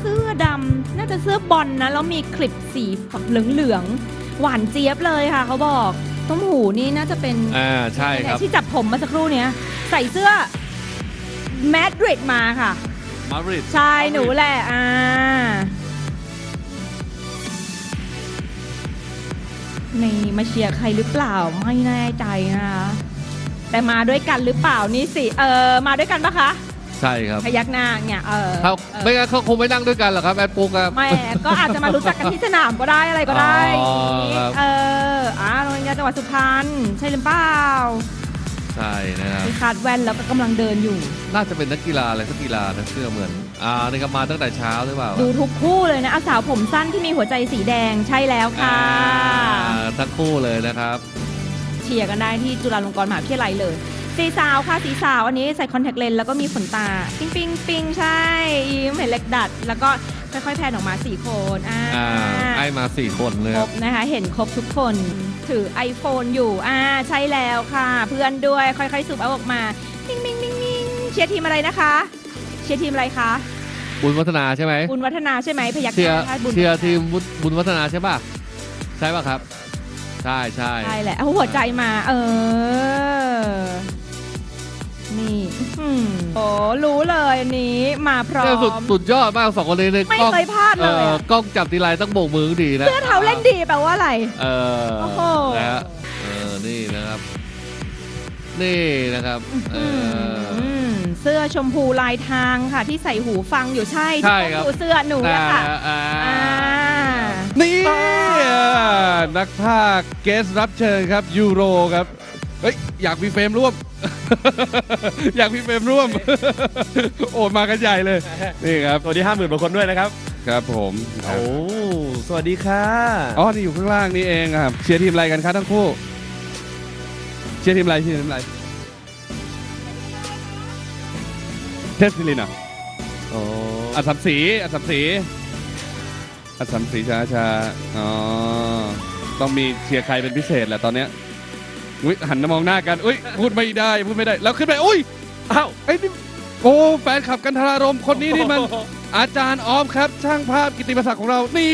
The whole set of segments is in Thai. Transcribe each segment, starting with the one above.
สื้อดำน่าจะเสื้อบอลนะแล้วมีคลิปสีเหลืองๆหวานเจี๊ยบเลยค่ะเขาบอกต้มหูนี่น่าจะเป็นใช่ครับที่จับผมมาสักครู่เนี้ยใส่เสื้อแมดริดมาค่ะมาดริดใช่หนูแหละนี่มาเชียร์ใครหรือเปล่าไม่แน่ใจนะคะแต่มาด้วยกันหรือเปล่านี่สิมาด้วยกันปะคะใช่ครับพยักหน้าเนี่ยเขาไม่งั้นเขาคงไม่นั่งด้วยกันหรอกครับแอดปุ๊กครับไม่ก็อาจจะมารู้จักกันที่สนามก็ได้อะไรก็ได้โรงเรียนจังหวัดสุพรรณใช่หรือเปล่าใช่นะครับมีคาดแว่นแล้วก็กำลังเดินอยู่น่าจะเป็นนักกีฬาอะไรสักกีฬานะเสื้อเหมือนนี่ก็มาตั้งแต่เช้าหรือเปล่าดูทุกคู่เลยนะสาวผมสั้นที่มีหัวใจสีแดงใช่แล้วค่ะทั้งคู่เลยนะครับเชียร์กันได้ที่จุฬาลงกรณ์มหาวิทยาลัยเลยสีสาวค่ะสีสาวอันนี้ใส่คอนแทคเลนส์แล้วก็มีขนตาปิ้งปิ้งปิ้งใช่ยิ้มเห็นเล็กดัดแล้วก็ค่อยๆแพนออกมา4คนไอมา4คนเลยครบนะคะเห็นครบทุกคนถือ iPhone อยู่ใช่แล้วค่ะเพื่อนด้วยค่อยๆสูบเอาออกมาปิ้งปิ้งปิ้งปิ้งเชียร์ทีมอะไรนะคะเชียร์ทีมอะไรคะบุญวัฒนาใช่ไหมบุญวัฒนาใช่ไหมพยักหน้าเชียร์ทีมบุญวัฒนาใช่ป่ะใช่ป่ะครับใช่ใช่ใช่แหละเอาหัวใจมานี่โอ้รู้เลยอันนี้มาพร้อมสุดยอดมาก2คนนี้ไม่เคยพลาดเลยกล้องจับทีไรต้องโบกมือดีนะเสื้อเท้าเล่นดีแปลว่าอะไรโอ้โหนี่นะครับเสื้อชมพูลายทางค่ะที่ใส่หูฟังอยู่ใช่ดูเสื้อหนูนะคะนี่นักพากย์เกสรับเชิญครับยูโรครับอยากมีเฟรมร่วม อยากมีเฟรมร่วม โอ้มากันใหญ่เลยนี่ครับสวัสดี 50,000 กว่าคนด้วยนะครับครับผมโอ้สวัสดีค่ะนี่อยู่ข้างล่างนี่เองครับเชียร์ทีมอะไรกันครับทั้งคู่เชียร์ทีมอะไรเทสซิลินอัศมศรีช้าต้องมีเชียร์ใครเป็นพิเศษแหละตอนเนี้ยหันมามองหน้ากันพูดไม่ได้แล้วขึ้นไปนี่แฟนขับกันทรารมคนนี้นี่มันอาจารย์ออฟครับช่างภาพกิตติมศักดิ์ของเรานี่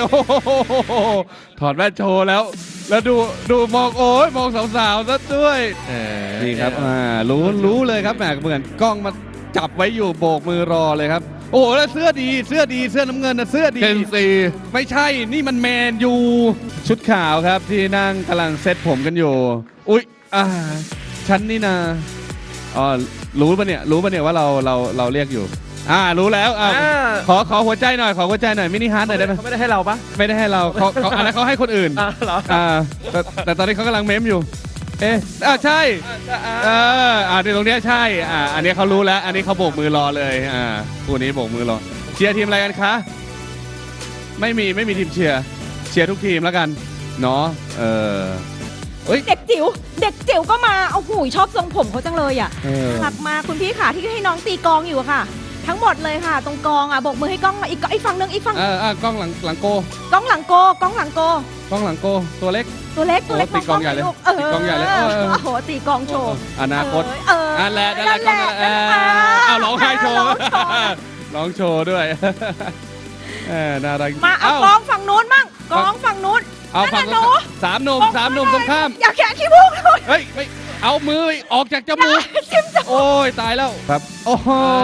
ถอดแว่นโชว์แล้วดูมองมองสาวๆซะด้วยนี่ครับรู้เลยครับแหมเหมือนกล้องมาจับไว้อยู่โบกมือรอเลยครับแล้วเสื้อดีเสื้อน้ำเงินนะเสื้อดีเชลซีไม่ใช่นี่มันแมนยูชุดขาวครับที่นั่งกำลังเซตผมกันอยู่ฉันนี่นะรู้ปะเนี่ยว่าเราเรียกอยู่รู้แล้วขอหัวใจหน่อยมินิฮาร์ทหน่อยได้ไหมเขาไม่ได้ให้เราปะไม่ได้ให้เราเขาอันนั้นเขาให้คนอื่นแต่ตอนนี้เขากำลังเมมอยู่ใช่ตรงนี้ใช่อันนี้เขารู้แล้วอันนี้เขาโบกมือรอเลยคู่นี้โบกมือรอเชียร์ทีมอะไรกันคะไม่มีทีมเชียร์ทุกทีมแล้วกันเนาะเด็กจิ๋วก็มาเอาหูชอบทรงผมเขาจังเลยรักมาคุณพี่ค่ะที่ให้น้องตีกองอยู่ค่ะทั้งหมดเลยค่ะตรงกองโบกมือให้กล้องอีกฝั่งนึงอีกฝั่งกล้องหลังโกกล้องหลังโกตัวเล็กตีกองใหญ่เลยตีกองใหญ่เลยตีกองโชว์อนาคตนั่นแหละร้องไห้โชว์ร้องโชว์ด้วยน่ารักมาเอากองฝั่งนู้นมั่งกองฝั่งนู้นเอาฝั่งนู้น3 หนุ่มตรงข้ามอย่าแขะขี้มูกเลยไม่เอามือออกจากจมูกโอ้ยตายแล้วครับโอ้โห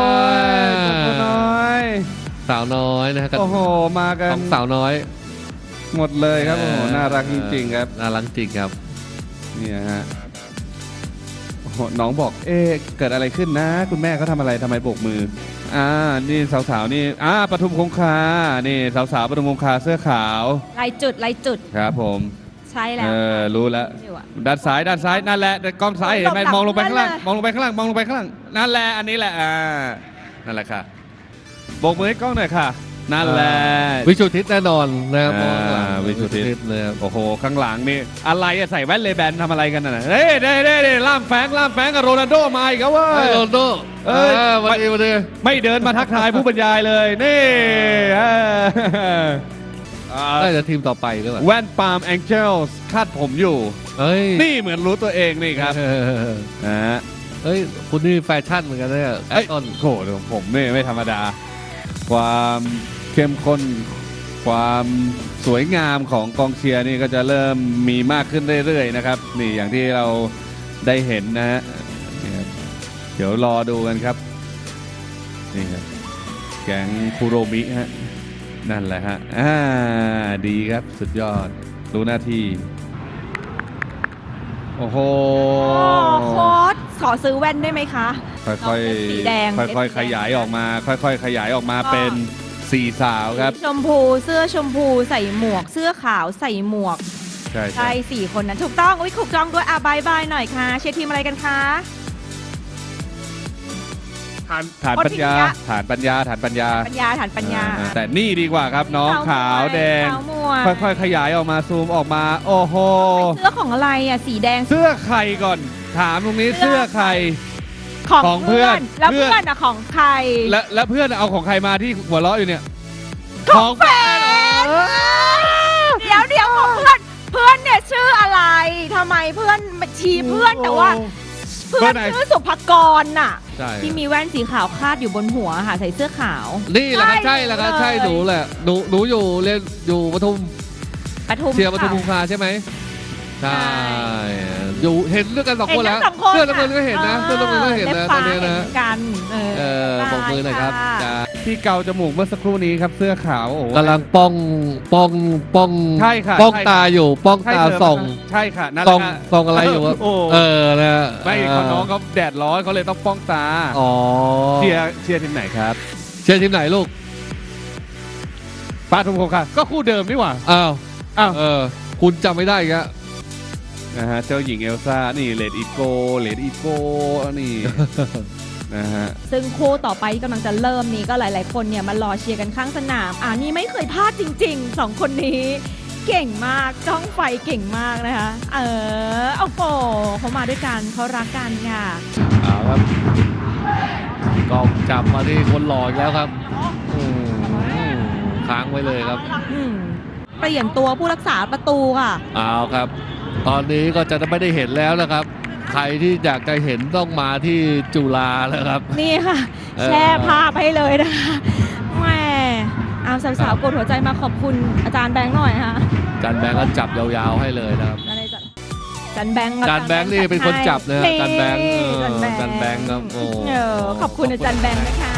สาวน้อยนะฮะโอ้โหมากันสาวน้อยหมดเลยครับโอ้โหน่ารักจริงๆครับน่ารักจริงครับเนี่ยฮะน้องบอกเกิดอะไรขึ้นนะคุณแม่เขาทำอะไรทำไมโบกมือนี่สาวๆนี่ปทุมคงคานี่สาวๆปทุมคงคาเสื้อขาวลายจุดครับผมใช่แล้วรู้แล้วด้านซ้ายนั่นแหละกล้องซ้ายเห็นไหมมองลงไปข้างล่างนั่นแหละอันนี้แหละนั่นแหละค่ะโบกมือให้กล้องหน่อยค่ะนั่นแหละวิชุทิศแน่นอนนะครับวิชุทิศเลยโอ้โหข้างหลังนี่อะไรใส่แว่นเลแบนทำอะไรกันน่ะได้ล่ามแฝงกับโรนัลโดมาอีกแล้วเว้ยโรนัลโดวันนี้ไม่เดินมาทักทายผู้บรรยายเลยนี่น่าจะทีมต่อไปหรือเปล่าแว่นปาล์มแองเจิลคาดผมอยู่นี่เหมือนรู้ตัวเองนี่ครับคุณนี่แฟชั่นเหมือนกันเนี่ยต้นโขดผมนี่ไม่ธรรมดาความเข้มข้นความสวยงามของกองเชียร์นี่ก็จะเริ่มมีมากขึ้นเรื่อยๆนะครับนี่อย่างที่เราได้เห็นนะฮะนี่ครับเดี๋ยวรอดูกันครับนี่ครับแก๊งคุโรมิฮะนั่นแหละฮะดีครับสุดยอดรู้หน้าที่โอ้โหโค้ดขอซื้อแว่นได้ไหมคะค่อยสีแดงๆค่อยๆขยายออกมา ค่อยๆขยายออกมาเป็นสี่สาวครับชมพูเสื้อชมพูใส่หมวก เสื้อขาวใส่หมวกใช่ใช่สี่คนนั้นถูกต้องอุ้ยถูกต้องด้วยบายบายหน่อยค่ะเชียร์ทีมอะไรกันคะฐานปัญญาฐานปัญญาปัญญาแต่นี่ดีกว่าครับน้องขาวแดงขาวหมวกค่อยๆขยายออกมาซูมออกมาโอ้โหเสื้อของอะไรอ่ะสีแดงเสื้อใครก่อน ถามตรงนี้เสื้อใคร ของเพื่อนแล้วเพื่อนอะของใครและเพื่อนเอาของใครมาที่หัวเราะอยู่เนี่ยของแฟนเดี๋ยวของเพื่อนเนี่ยชื่ออะไรทำไมเพื่อนมาชี้เพื่อนแต่ว่าเพื่อนชื่อสุภกรน่ะใช่ที่มีแว่นสีขาวคาดอยู่บนหัวค่ะใส่เสื้อขาวนี่แหละครับใช่แหละครับใช่หนูแหละหนูอยู่เรียนอยู่ปทุมเชียร์ปทุมคงคาใช่ไหมใช่อยู่เห็นด้วยกันสองคนแล้วเสื้อน้ำเงินก็เห็นนะเสื้อน้ำเงินก็เห็นนะตอนนี้นะกันบอกมือหน่อยครับจ้าที่เกาจมูกเมื่อสักครู่นี้ครับเสื้อขาวโอ้โหกำลังป้องใช่ค่ะป้องตาอยู่ป้องใช่ตาเธอส่องใช่ค่ะนั่นแหส่อละงฮะส่องอะไรอยู่วะโอ้นะไม่ของน้องเขาแดดร้อนเขาเลยต้องป้องตาอ๋อเชียร์ทีมไหนครับเชียร์ทีมไหนลูกปาทุมคงค่ะก็คู่เดิมนี่หว่าอ้าวอ้าวคุณจำไม่ได้อีกอะนะฮะเจ้าหญิงเอลซ่านี่เลดอีโก้นี่ นะฮะซึ่งคู่ต่อไปที่กำลังจะเริ่มนี้ก็หลาย ๆ คนเนี่ยมารอเชียร์กันข้างสนามนี่ไม่เคยพลาดจริงๆสองคนนี้เก่งมากจ้องไฟเก่งมากนะคะโอ้โหเขามาด้วยกันเขารักกันค่ะเอาครับกล้องจับมาที่คนหล่ออีกแล้วครับค้างไว้เลยครับเปลี่ยนตัวผู้รักษาประตูค่ะเอาครับ ตอนนี้ก็จะไม่ได้เห็นแล้วนะครับ ใครที่อยากจะเห็นต้องมาที่จุฬาแล้วครับนี่ค่ะ แชร์ภาพให้เลยนะคะแหมเอาสาวๆกดหัวใจมาขอบคุณอาจารย์แบงค์หน่อยค่ะจันแบงก์ก็จับยาวๆให้เลยนะครับจันแบงค์จันแบงค์นี่เป็นคนจับนะให้จันแบงค์จันแบงค์จันแบงค์ครับโอ้ขอบคุณอาจารย์แบงค์นะคะ